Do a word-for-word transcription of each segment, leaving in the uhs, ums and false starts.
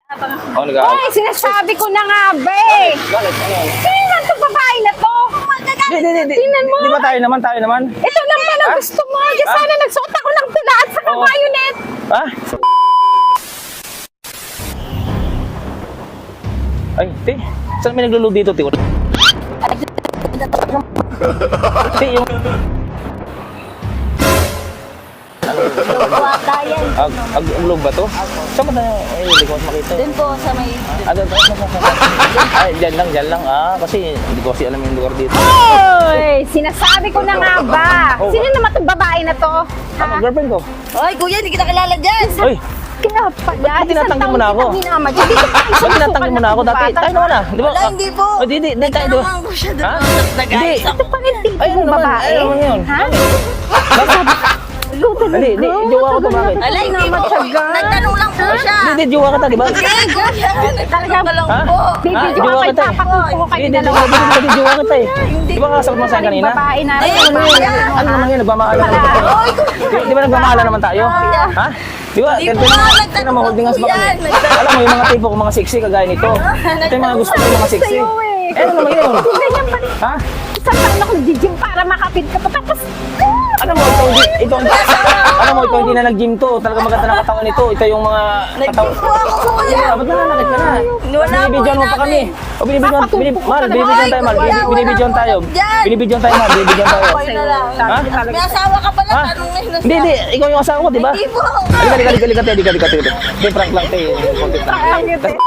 Oh, nag-aaw. Hoy, sinasabi ko na nga, be! Bakit? Ano yan? Tingnan to babae na to! Di, di, di, di. Tingnan mo! Di ba tayo naman, tayo naman? Ito lang pala Ah? gusto mo! Diyan Ah? sana nagsuot ako ng tula at saka Oo. bayonet! Ha? Ay, ti. Saan may nagluluto dito, ti? Ti, yung... Wata yan. Ag, ag, ulog ba to? Saan ba tayo? Ay, hindi ko mas makita. Doon po sa may... Ah, doon, doon, doon, doon. Ay, dyan lang, dyan lang. Ah, kasi hindi ko kasi alam yung lugar dito. Hoy! Sinasabi ko na nga ba? Oh. Sino naman itong babae na to? Ano, girlfriend ko? Oy, kuya, hindi kita kilala dyan. Uy, Kaya pala, Ba't tinatanggi mo na ako? Hinama dyan. Dito pa ba't tinatanggi mo na ako dati? Tayo naman ah. Di ba? Wala, hindi po. Oh, di, di, di, tayo. di ba? Tanungan ko siya doon. Ha? Nag-ayos Hindi. ako. Ito pa rin tipo Ay, ano ng naman? babae. Ay, ano naman yun? Ha? Luto Hindi, hindi. Jowa ko to, bakit? Ala, hindi po. Matyaga. Nagtanong lang po siya. Hindi, di, jowa ka ta, di ba? Hindi, kuya. Nagtanong ka lang Ha? po. Bibidyo Ah, ka jowa kay kita eh. papakupo ko kayo Hindi, di, dalawa. di, di, di, jowa kita eh. Di ba kasagot mo sa akin kanina? Babae na. Ay, Ano yun? Ano naman yun? Nagmamahala naman tayo. Di, di ba nagmamahala naman tayo? Ha? Di ba? Hindi Ito po yung nga, mga nagtanong mga holding hands ba po kami? yan. Nagtanong. Alam mo, yung mga tipo ko, mga sexy, kagaya nito. Ito yung mga gusto ko, yung mga sexy. Sa'yo eh. Eh, ano naman yun? Ganyan pa. Ha? Isang taon ako nag-gym para makapit ka pa. Tapos, Alam mo, ito, hindi- ito, alam mo, ito hindi na nag-gym to. Talaga maganda ng katawan nito. Ito yung mga katawan. Nag-gym po ako, kuya. Ah, ba't nananakit ka na? Wala po, Binibidyoan mo pa kami. O, binibidyoan, binib, Mal, binibidyoan tayo, Mal. Wala, wala Binibidyoan po tayo. dyan. Binibidyoan tayo, Mal. Binibidyoan tayo. Okay na lang. Ha? May asawa ka pala, Ha? tanong ngayon na Hindi, hindi. Ikaw yung asawa ko, di ba? Hindi po. Halika, halika, halika, halika, halika, halika, halika. Hindi, prank lang tayo. Konti lang.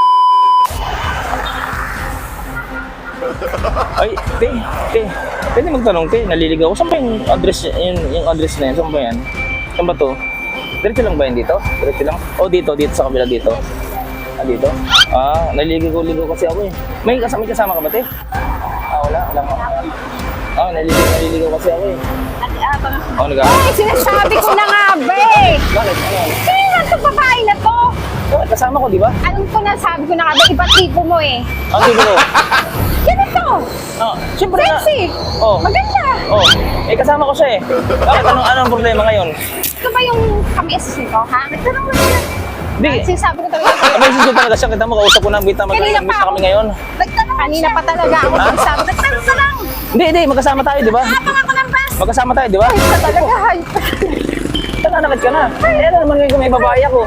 Ay, te, te. Pwede magtanong, te. Naliligaw ko. Saan ba yung address, yung, yung address na yan? Saan ba yan? Saan ba to? Diretso lang ba yan dito? Diretso lang? O dito, dito sa kabila dito. Ah, dito? Ah, naliligaw-ligaw kasi ako eh. May kasama, may kasama ka ba, te? Ah, wala. Wala ka. Ah, naliligaw, naliligaw kasi ako eh. Oh, nag Hoy, sinasabi ko na nga, be! Bakit? Ano yan? Tingnan to babae na to! Oh, kasama ko, di ba? Alam ko na, sabi ko na nga ba, iba tipo mo eh. Ang tipo ko. Ganito! Ah, siyempre na. Sexy! Oh. Maganda! Oh, eh kasama ko siya eh. Bakit? Anong, anong problema ngayon? Ito ba yung kami assistant ko, ha? Nagtanong mo siya. Hindi. Sinasabi ko talaga sa'yo. May susunod talaga siya. Kita mo, kausap ko na. Kita mo, Kanina nag-meet pa na kami ako. ngayon. Nagtanong Kanina pa talaga ako Ha? sinasabi. Nagtanong ka lang! Hindi, hindi. Magkasama tayo, di ba? Tapang ako ng bus. Magkasama tayo, di ba? Ito talaga, hay. Nananakit ka na. Eh, ano naman ngayon kung may babae ako?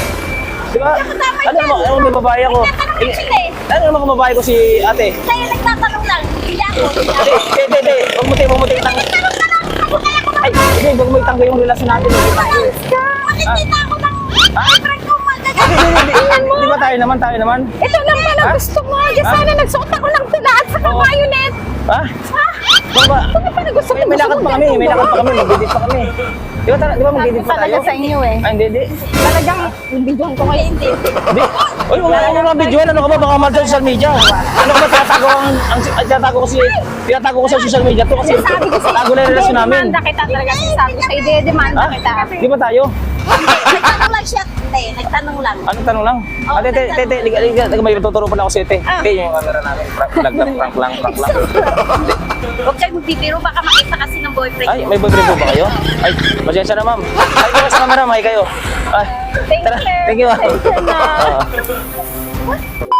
Di ba? Ano naman, ano may babae ako? Nagtatanong Eh, sila eh. ano naman kung babae ko si ate? Kaya nagtatanong lang. Hindi ako. Hindi, hindi, hindi, hindi. Huwag mo tayo, huwag mo tayo itang... Ay, hindi, huwag mo itanggo yung relasyon natin. Huwag mo itanggo. Makikita ako ng friend ko magagamit. Hindi, hindi, hindi. Di ba tayo naman, tayo naman? Ito lang pala Ha? gusto mo. Diyan Ha? sana nagsuot ako ng tula at saka Oo. bayonet. Ha? Ha? Ano ba? Ano pa na gusto May, may lakad pa kami, may lakad pa kami, mag-edit pa kami. Di ba, tara- di ba mag-edit pa tayo? Talaga sa inyo eh. Ay, hindi, hindi. Talagang bibidyohan ko ngayon. Hindi. Hindi. Uy, wala ka mga video. Ano ka ba? Baka mal sa social media. Ano ka ba? Tinatago ang, ang, ang tinatago ko si, tinatago ko sa social media to kasi Sabi ko sa'yo, tago na yung relasyon namin. demanda kita talaga. Sabi ko sa'yo, de-demanda Ha? kita. Di ba tayo? Hindi, nagtanong lang siya. Te, nagtanong lang. Anong tanong lang? Oo, Ate, te, te, te, liga, liga, liga, may tuturo pala ako sa'yo, te. Ah. Te, yung camera namin. Prank lang, prank lang, prank lang. Huwag kang bibiro, baka makita kasi ng boyfriend Ay, mo. may boyfriend po ba kayo? Ay, pasensya na, ma'am. Ay, kayo sa camera, may kayo. Ay, Thank tara, you. thank you, ma'am. Thank you na. Oo.